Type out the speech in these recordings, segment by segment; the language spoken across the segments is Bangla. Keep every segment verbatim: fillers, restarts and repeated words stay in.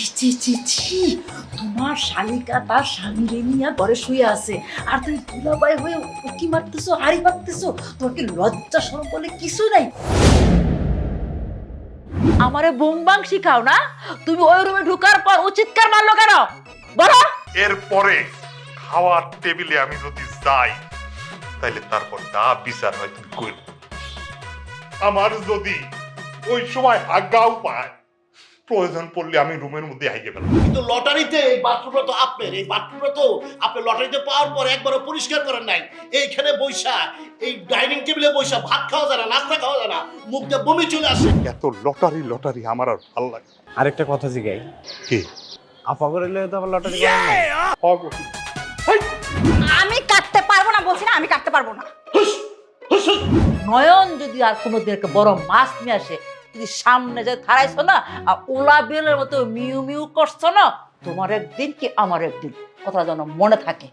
ছি ছি ছি ছি, তোমার শালিকা তার স্বামীরে নিয়ে ঘরে শুয়ে আছে আর তুমি দুলাভাই হয়ে উকি মারতেছো, হাড়ি মারতেছো। তোমার কি লজ্জা শরম বলে কিছু নাই? আমারে বুংবাং শিখাও না? তুমি ওই রুমে ঢুকার পর ও চিৎকার মারলো কেন বলো? এরপরে খাওয়ার টেবিলে আমি যদি যাই তাইলে তারপর যা বিচার হয় তুমি কইল। আমার যদি ওই সময় আজ্ঞাও পায়, প্রয়োজন পড়লে আমি রুমের মধ্যে আইয়ে গেলাম। কিন্তু লটারিতে এই বাথরুমটা তো আপনার, এই বাথরুমটা তো আপনি লটারিতে পাওয়ার পর একবারও পরিষ্কার করেন নাই। এইখানে বৈশা, এই ডাইনিং টেবিলে বৈশা ভাত খাওয়া যায় না, নাস্তা খাওয়া যায় না, মুখ দিয়ে বমি চলে আসে। এত লটারি লটারি আমার আর ভাল লাগে না। আরেকটা কথা জিগাই, কি আপা করে তো আবার লটারি করেন না? অগতি। আমি কাটতে পারবো না বলছি না, আমি কাটতে পারবো না। হুস হুস হুস। নয়ন যদি আর কোনোদিন একটা বড় মাছ নিয়ে আসে, যদি সামনে যে থারাইছো না আর ওলা বেলের মতো মিউ মিউ করছো না, তোমার একদিন কি আমার একদিন, কথা যেন মনে থাকে।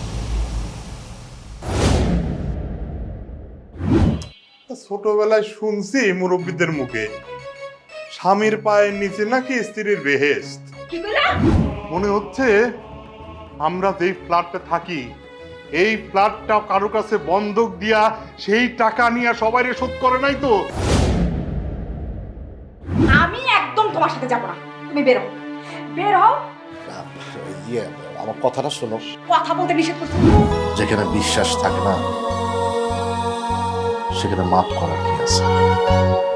ছোটবেলায় শুনছি মুরব্বীদের মুখে, স্বামীর পায়ের নিচে নাকি স্ত্রীর বেহেশত। কি কইলা? মনে হচ্ছে আমরা যেই ফ্ল্যাটে থাকি এই ফ্ল্যাটটা কারো কাছে বন্ধক দিয়া সেই টাকা নিয়ে সবাই শোধ করে নাই তো? আমি একদম তোমার সাথে যাবো না, তুমি বের হও, বের হও। ইয়ে, আমার কথাটা শোনো। কথা বলতে নিষেধ করছি। যেখানে বিশ্বাস থাকে না সেখানে মাফ করার কি আছে?